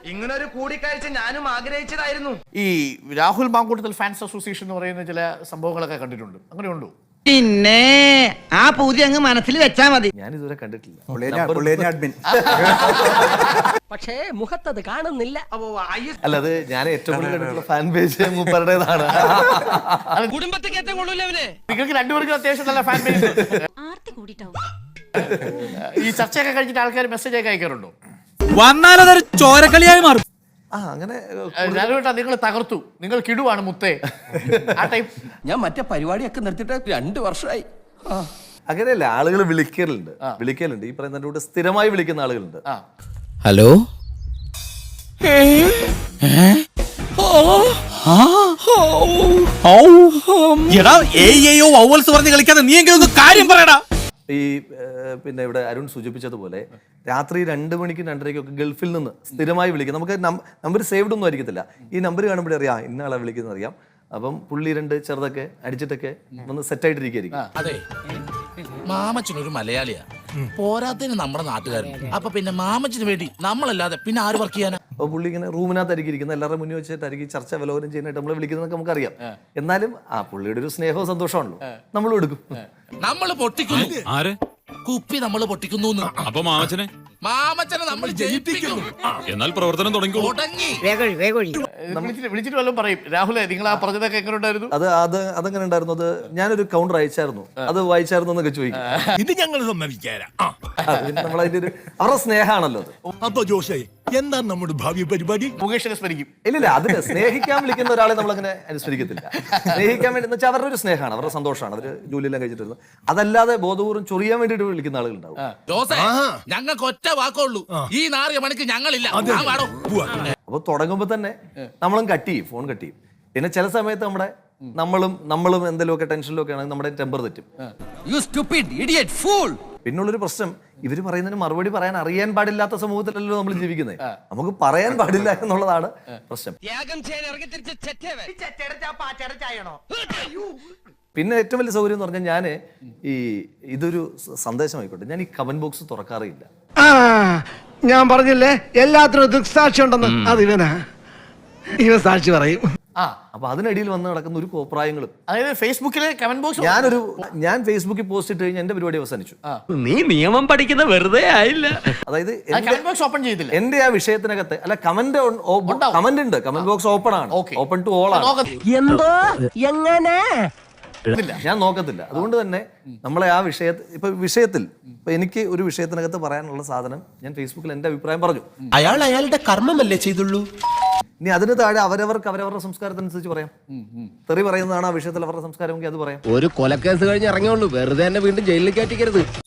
ഇങ്ങനെ ഒരു കൂടിക്കാഴ്ച ഞാനും ആഗ്രഹിച്ചതായിരുന്നു. ഈ രാഹുൽ മാങ്കൂട്ടത്തിൽ ഫാൻസ് അസോസിയേഷൻ എന്ന് പറയുന്ന ചില സംഭവങ്ങളൊക്കെ കണ്ടിട്ടുണ്ട്, അങ്ങനെയുണ്ടോ? പിന്നെ ആ പൂതി അങ്ങ് മനസ്സിൽ വെച്ചാ മതി. ഞാൻ ഇതുവരെ കണ്ടിട്ടില്ല. പക്ഷേ മുഖത്തത് കാണുന്നില്ല. അല്ല, അത് ഞാൻ ഏറ്റവും കൂടുതൽ കണ്ടിട്ടുള്ള ഫാൻ പേജ് മൂപ്പരുടേതാണ്. കുടുംബത്തിൽ ഏറ്റവും കൊള്ളൂലവനെ. നിങ്ങൾക്ക് രണ്ടുപേർക്കും അത്യാവശ്യം നല്ല ഫാൻ പേജ്. ഈ ചർച്ചയൊക്കെ കഴിഞ്ഞിട്ട് ആൾക്കാർ മെസ്സേജ് ഒക്കെ അയക്കാറുണ്ടോ? വന്നാലതൊരു ചോരക്കളിയായി മാറും. അങ്ങനെ നിങ്ങൾ തകർത്തു, നിങ്ങൾ കിടുവാണ് മുത്തേ, ആ ടൈപ്പ്. ഞാൻ മറ്റേ പരിപാടിയൊക്കെ നിർത്തിയിട്ട് 2 വർഷമായി. അങ്ങനെയല്ല, ആളുകൾ വിളിക്കലുണ്ട്. ഈ പറയുന്ന കൂടെ സ്ഥിരമായി വിളിക്കുന്ന ആളുകളുണ്ട്. ഹലോ, പറഞ്ഞ് കളിക്കാതെ നീ എങ്കിലും ഒന്ന് കാര്യം പറയടാ. ഈ പിന്നെ ഇവിടെ അരുൺ സൂചിപ്പിച്ചതുപോലെ രാത്രി 2 മണിക്കും 2:30ക്കും ഗൾഫിൽ നിന്ന് സ്ഥിരമായി വിളിക്കും. നമുക്ക് നമ്പർ സേവ്ഡ് ഒന്നും ആയിരിക്കത്തില്ല. ഈ നമ്പർ കാണുമ്പോഴേ അറിയാം ഇന്ന ആളെ വിളിക്കുന്നത് അറിയാം. അപ്പം പുള്ളി 2 ചെറുതൊക്കെ അടിച്ചിട്ടൊക്കെ വന്ന് സെറ്റായിട്ടിരിക്കും. അതെ, മാമച്ചനൊരു മലയാളിയാ, പോരാത്തതിന് നമ്മുടെ നാട്ടുകാരൻ. അപ്പൊ പിന്നെ മാമച്ചന് വേണ്ടി നമ്മളല്ലാതെ പിന്നെ ആര് വർക്ക് ചെയ്യാനാ? അപ്പോൾ പുള്ളി ഇങ്ങനെ റൂമിനകത്തായിരിക്കും ഇരിക്കുന്നത്, എല്ലാവരുടെ മുന്നിൽ വെച്ചിട്ടായിരിക്കും ചർച്ച വിലോചനം ചെയ്യാനായിട്ട് നമ്മൾ വിളിക്കുന്നതൊക്കെ നമുക്കറിയാം. എന്നാലും ആ പുള്ളിയുടെ ഒരു സ്നേഹവും സന്തോഷമാണല്ലോ, നമ്മളും എടുക്കും. നമ്മള് പൊട്ടിക്കുന്നു, കുപ്പി നമ്മള് പൊട്ടിക്കുന്നു. അപ്പൊ മാമച്ചനെ നമ്മൾ ജയിപ്പിക്കുന്നു. എന്നാൽ പ്രവർത്തനം തുടങ്ങി. വിളിച്ചിട്ട് വല്ലതും പറയും, രാഹുലെ നിങ്ങൾ ആ പറഞ്ഞതൊക്കെ എങ്ങനെ ഉണ്ടായിരുന്നു? അതങ്ങനെ ഉണ്ടായിരുന്നു. അത് ഞാനൊരു കൗണ്ടർ അയച്ചായിരുന്നു, അത് വായിച്ചായിരുന്നു എന്നൊക്കെ ചോദിക്കും. ഇത് ഞങ്ങൾ സമ്മതിക്കാരാ. നമ്മളതിന്റെ ഒരു അവരുടെ സ്നേഹമാണല്ലോ അത്. അപ്പൊ ജോഷായി, എന്താ നമ്മുടെ ഭാവി പരിപാടി? മുകേഷിനെ സ്മരിക്കും. ഇല്ലില്ല, അതിന് സ്നേഹിക്കാൻ വിളിക്കുന്ന ഒരാളെ നമ്മളങ്ങനെ അനുസ്മരിക്കത്തില്ല. സ്നേഹിക്കാൻ വേണ്ടി എന്ന് വെച്ചാൽ അവരുടെ ഒരു സ്നേഹമാണ്, അവരുടെ സന്തോഷമാണ്, അവർ ജോലിയെല്ലാം കഴിച്ചിട്ടിരുന്നത്. അതല്ലാതെ ബോധപൂർവ്വം ചൊറിയാൻ വേണ്ടിയിട്ട് വിളിക്കുന്ന ആളുകളുണ്ടാവും. ഞങ്ങൾക്ക് ഒറ്റ വാക്കുള്ളൂ, ഈ 4 മണിക്ക് ഞങ്ങളില്ല. അപ്പൊ തുടങ്ങുമ്പോ തന്നെ നമ്മളും കട്ട് ചെയ്യും, ഫോൺ കട്ട് ചെയ്യും. പിന്നെ ചില സമയത്ത് നമ്മളും എന്തെങ്കിലുമൊക്കെ ടെൻഷനിലൊക്കെ ആണെങ്കിൽ നമ്മുടെ ടെമ്പർ തെറ്റും. പിന്നുള്ളൊരു പ്രശ്നം, ഇവര് പറയുന്നതിന് മറുപടി പറയാൻ അറിയാൻ പാടില്ലാത്ത സമൂഹത്തിലല്ലോ നമ്മൾ ജീവിക്കുന്നത്. നമുക്ക് പറയാൻ പാടില്ല എന്നുള്ളതാണ് പ്രശ്നം. പിന്നെ ഏറ്റവും വലിയ സൗകര്യം എന്ന് പറഞ്ഞാൽ ഞാൻ ഇതൊരു സന്ദേശമായിക്കോട്ടെ, ഞാൻ ഈ കമന്റ് ബോക്സ് തുറക്കാറില്ല. ഞാൻ പറഞ്ഞില്ലേ എല്ലാത്തിനും ദൃക്സാക്ഷി ഉണ്ടെന്ന്, അത് ഇവൻ സാക്ഷി പറയും. അപ്പൊ അതിനിടയിൽ വന്ന് നടക്കുന്ന ഒരു കോപ്രായങ്ങളും, അതായത് ഫേസ്ബുക്കിലെ കമന്റ് ബോക്സ്. ഞാൻ ഫേസ്ബുക്കിൽ പോസ്റ്റ് ഇട്ട് കഴിഞ്ഞാൽ എന്റെ പരിപാടി അവസാനിച്ചു. നീ നിയമം പഠിക്കുന്ന വെറുതെ ആയില്ല. അതായത് കമന്റ് ബോക്സ് ഓപ്പൺ ചെയ്തില്ല. എന്റെ ആ വിഷയത്തിനകത്ത് അല്ല, കമന്റ് ഉണ്ട്, കമന്റ് ബോക്സ് ഓപ്പൺ ആണ്, ഓപ്പൺ ടു ഓൾ ആണ്. എന്തോ എങ്ങനെ ഞാൻ നോക്കത്തില്ല. അതുകൊണ്ട് തന്നെ നമ്മളെ ആ വിഷയത്തിൽ എനിക്ക് ഒരു വിഷയത്തിനകത്ത് പറയാനുള്ള സാധനം ഞാൻ ഫേസ്ബുക്കിൽ എന്റെ അഭിപ്രായം പറഞ്ഞു. അയാളുടെ കർമ്മമല്ലേ ചെയ്തുള്ളൂ. ഇനി അതിന് താഴെ അവരവരുടെ സംസ്കാരത്തിനനുസരിച്ച് പറയാം. തെറി പറയുന്നതാണ് ആ വിഷയത്തിൽ അവരുടെ സംസ്കാരമെങ്കിൽ അത് പറയാം. ഒരു കൊലക്കേസ് കഴിഞ്ഞ് ഇറങ്ങിയുള്ളൂ, വെറുതെ തന്നെ വീണ്ടും ജയിലിൽ കയറ്റിക്കരുത്.